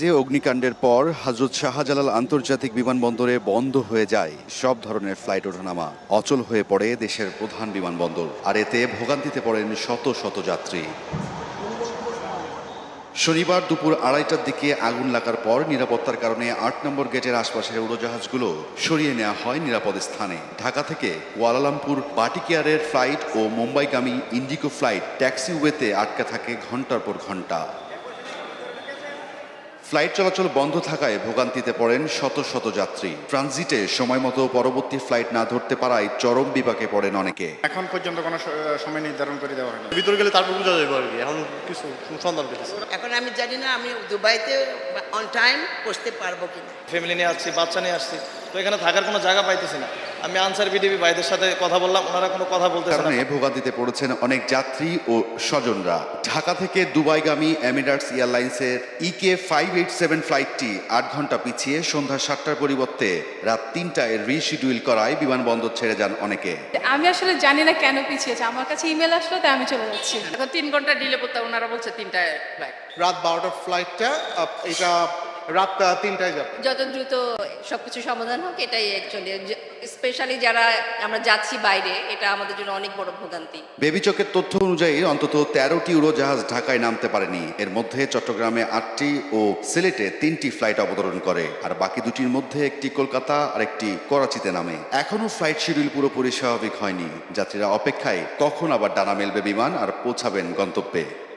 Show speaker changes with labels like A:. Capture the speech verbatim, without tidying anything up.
A: যে অগ্নিকাণ্ডের পর হযরত শাহজালাল আন্তর্জাতিক বিমানবন্দরে বন্ধ হয়ে যায় সব ধরনের ফ্লাইট ওঠানামা। অচল হয়ে পড়ে দেশের প্রধান বিমানবন্দর, আর এতে ভোগান্তিতে পড়েন শত শত যাত্রী। শনিবার দুপুর আড়াইটার দিকে আগুন লাগার পর নিরাপত্তার কারণে আট নম্বর গেটের আশপাশের উড়োজাহাজগুলো সরিয়ে নেওয়া হয় নিরাপদ স্থানে। ঢাকা থেকে কুয়ালালামপুর বাটিকেয়ারের ফ্লাইট ও মুম্বাইগামী ইন্ডিগো ফ্লাইট ট্যাক্সিওয়েতে আটকে থাকে ঘন্টার পর ঘন্টা। ফ্লাইট চলাচল বন্ধ থাকায় ভোগান্তিতে পড়েন শত শত যাত্রী। ট্রানজিটে সময় মতো পরবর্তী ফ্লাইট না ধরতে পারায় চরম বিপাকে পড়েন অনেকে।
B: এখন পর্যন্ত কোনো সময় নির্ধারণ করে দেওয়া হয়নি।
C: ভিতরে গেলে তারপর বোঝা যাবে আর কি। এখন কিছু সন্ধান পেতেছি।
D: এখন আমি জানি না আমি দুবাইতে অন টাইম পৌঁছতে পারবো কিনা।
C: ফ্যামিলি নিয়ে আসছি, বাচ্চা নিয়ে আসছি, তো এখানে থাকার কোনো জায়গা পাইতেছি না। আমি আনসার বিডিবি ভাইদের সাথে কথা বললাম, ওনারা কোনো কথা বলতেছে না।
A: কারণে ভোগান্তিতে পড়েছেন অনেক যাত্রী ও স্বজনরা। ঢাকা থেকে দুবাইগামী এমিরেটস এয়ারলাইন্সের ইকে ফাইভ এইট সেভেন ফ্লাইটটি আট ঘন্টা পিছিয়ে সন্ধ্যা সাতটার পরিবর্তে রাত তিনটায় রিশিডিউল করায় বিমানবন্দর ছেড়ে যান অনেকে।
E: আমি আসলে জানি না কেন পিছিয়েছে, আমার কাছে ইমেল আসলো তাই আমি চলে যাচ্ছি।
F: এখন তিন ঘন্টা ডিলে করতে ওনারা বলছে তিনটায় ফ্লাইট।
G: রাত বারোটার ফ্লাইটটা এটা রাত তিনটায় যাবে।
H: যত দ্রুত সবকিছু সমাধান হোক এটাই অ্যাকচুয়ালি, স্পেশালি যারা আমরা যাচ্ছি বাইরে, এটা আমাদের জন্য অনেক বড় ভোগান্তি।
A: বেবিচকের তথ্য অনুযায়ী অন্তত তেরোটি উড়োজাহাজ ঢাকায় নামতে পারেনি। এর মধ্যে চট্টগ্রামে আটটি ও সিলেটে তিনটি ফ্লাইট অবতরণ করে, আর বাকি দুটির মধ্যে একটি কলকাতা আর একটি করাচিতে নামে। এখনও ফ্লাইট শিডিউল পুরোপুরি স্বাভাবিক হয়নি। যাত্রীরা অপেক্ষায় কখন আবার ডানা মেলবে বিমান আর পৌঁছাবেন গন্তব্যে।